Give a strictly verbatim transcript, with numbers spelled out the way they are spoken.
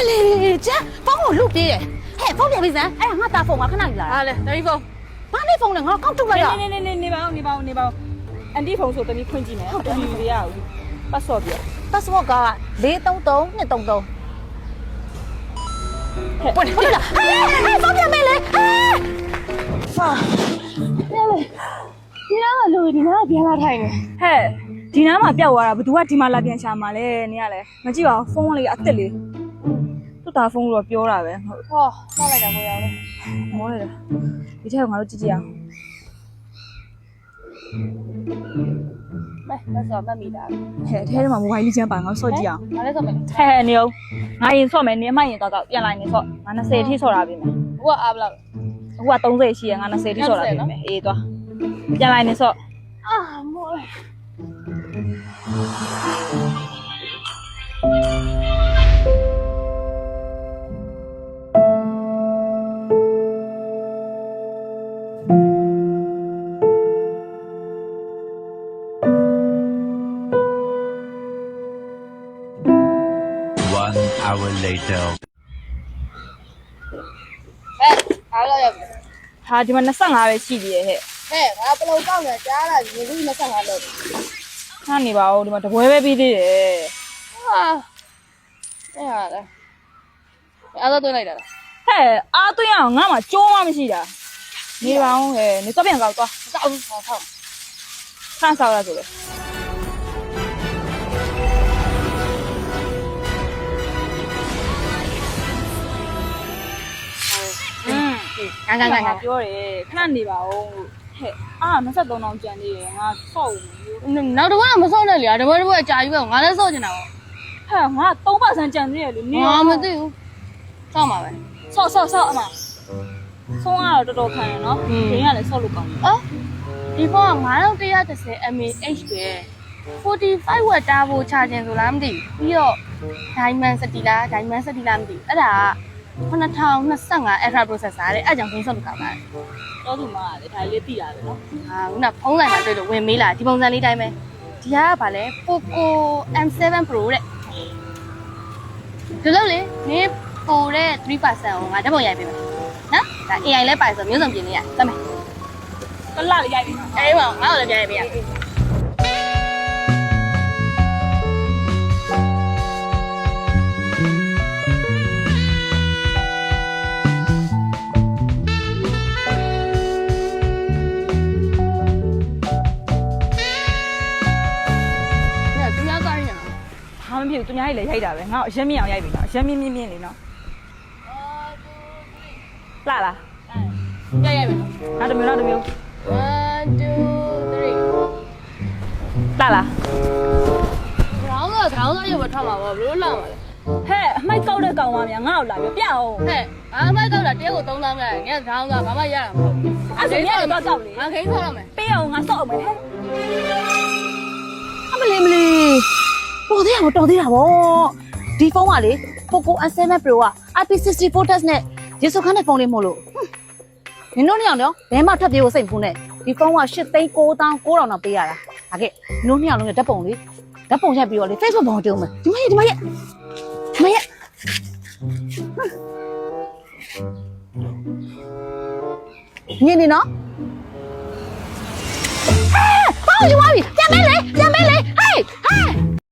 လေကျဖုန်းကိုလုပြေးတယ်ဟဲ့ဖုန်းပြန်ပြီးစမ်းအဲ့ဒါငါတာဖုန်းကခဏယူလာတာဟာလေတမီးဖုန်းဘာနဲ့ဖုန်းလဲငါကောက်ထုတ်လိုက်ရနေနေနေနေပါဦးနေပါဦးနေပါဦးအန်တီဖုန်းဆိုတမီးဖွင့်ကြည့်မယ်တမီးရအောင်ပတ်စော့ပြ password ကလေးသုံးသုံးနှစ်သုံးသုံးဟဲ့ဟုတ်လားဟဲ့ဟဲ့ဖုန်းပြန်မေးလေဟဲ့ဟာလေဒီတော့လူဒီနားပြန်လာထိုင်နေဟဲ့ဒီနားမှာပျောက်သွားတာဘသူကဒီမှာလာပြန်ရှာမှာလဲနေရလဲမကြည့်ပါဘူးဖုန်းလေးအစ်စ်လေးသူ့တာဖုန်းတော့ပြောတာပဲဟုတ်ဟောမှတ်လိုက်တာကိုရအောင်မောလိုက်တာဒီထက်ကငါတို့ကြည့်ကြည့်အောင်မဲမစောမှတ်မိတာဟဲ့အဲထဲမှာမိုဘိုင်းလေးချမ်းပါငါဆော့ကြည့်အောင်ငါလည်းစောမယ်ဟဲ့နေအောင်ငါရင်ဆော့မယ်နေအမှရင်တော့တော့ပြန်လာနေဆော့ငါ20အထိဆော့တာပြီမယ်ဟိုကအားဘလောက်အခုက30ရှိရငါ20အထိဆော့တာပြီမယ်အေးသွားပြန်လာနေဆော့အာမိုး One hour later. ဟဲ့အားလောက်ရပြီဟာဒီမှာ25ပဲရှိသေးရဲ့ဟဲ့ဟဲ့ငါပလုံကောက်နေကြားလာပြီလူကြီး25လောက်ခါနေပါဦးဒီမှာတပွဲပဲပြီးသေးတယ်ဟာအဲ့ဟာလေအားတော့တွင်းလိုက်တာလားဟဲ့အားသွင်းအောင်ငါမှကြိုးမှမရှိတာနေပါဦးဟဲ့နေတော့ပြန်ကောက်သွားစောက်ဟောဟောခန့်ဆောက်ရဆိုလေอืมငါငါငါငါပြောတယ်ခဏနေပါဦးဟဲ့အာ23တောင်ကျန်သေးတယ်ငါဆော့ဦးမယ်နောက်တော့မစောနဲ့လေတပွဲတပွဲအကြာကြီးပဲငါလည်းစောချင်တာပေါ့ဟဲ့ငါ3%ကျန်သေးတယ်လေနေငါမသိဘူးစောက်မှာပဲဆော့ဆော့ဆော့အမဆုံးကတော့တော်တော်ခံရနော်ဒင်းကလည်းဆော့လို့ကောင်းတယ်အော်ဒီဖုန်းကnine one one zero mAh ပဲforty-five watt တားဖို့ချခြင်းဆိုလားမသိဘူးပြီးတော့ Diamond City လား Diamond City လားမသိဘူးအဲ့ဒါကtwo thousand twenty-five Ultra processor တဲ့အဲ့ကြောင့်ဖုန်းဆော့လို့ကောင်းတာတော့သူမကလေဒါလေးသိရတယ်နော်ဟာခုနဖုန်းဆိုင်မှာတွေ့လို့ဝင်မေးလာဒီပုံစံလေးတိုင်းပဲဒီကကဗာလဲ Poco M seven Pro တဲ့ဒီလိုလေနေပိုတဲ့three percent ကိုငါဓာတ်ပုံရိုက်ပေးမယ်နော်ဒါ A I လဲပါဆိုမျိုးစုံပြင်နေရတတ်မယ်ကလာလေးရိုက်ပြီနော်အေးပါငါ့ကိုလည်းပြန်ရိုက်ပေးရဟာမဖြစ်ဘူးသူများကြီးလည်းရိုက်တာပဲငါအရက်မြင့်အောင်ရိုက်ပြီနော်အရက်မြင့်မြင့်မြင့်လေးနော်လာလားရိုက်ရိုက်မယ်နောက်တစ်မျိုးနောက်တစ်မျိုး one two three လာလားခေါင်းကခေါင်းကရုပ်ပဲထွက်မှာပေါ့ဘလို့လာမှာလဲဟဲ့အမိုက်ကောက်တဲ့ကောင်မများငါ့ကိုလာပြပြအောင်ဟဲ့ဘာမှမတော့တာတဲကိုသုံးသောင်းခဲ့ငါခေါင်းကဘာမှရတာမဟုတ်အဲ့ဒါမြင်တော့တောက်လေငါခိန်းဆောက်ရမယ်ပေးအောင်ငါစော့အောင်မယ်ဟဲ့အမလေးမလေးတော်သေးတာမတော်သေးတာဗောဒီဖုန်းကလေ Poco M seven Pro က I P sixty-four test နဲ့ရေစုခန်းတဲ့ဖုန်းလေးမို့လို့နင်တို့နှစ်ယောက်တော့ဘယ်မှထပ်ပြေးဖို့စိတ်မကူနဲ့ဒီဖုန်းကeightသိန်းnineသောင်းnineထောင်တော့ပေးရတာဒါကဲနင်တို့နှစ်ယောက်လုံးရဲ့ဓာတ်ပုံလေးဓာတ်ပုံရိုက်ပြီးတော့လေ Facebook ပေါ်တင်အောင်မယ်ဒီမရဲ့ဒီမရဲ့ဒီမရဲ့ညနေနော်ဟဲ့ဘာလို့ယူသွားပြီပြန်မဲလေ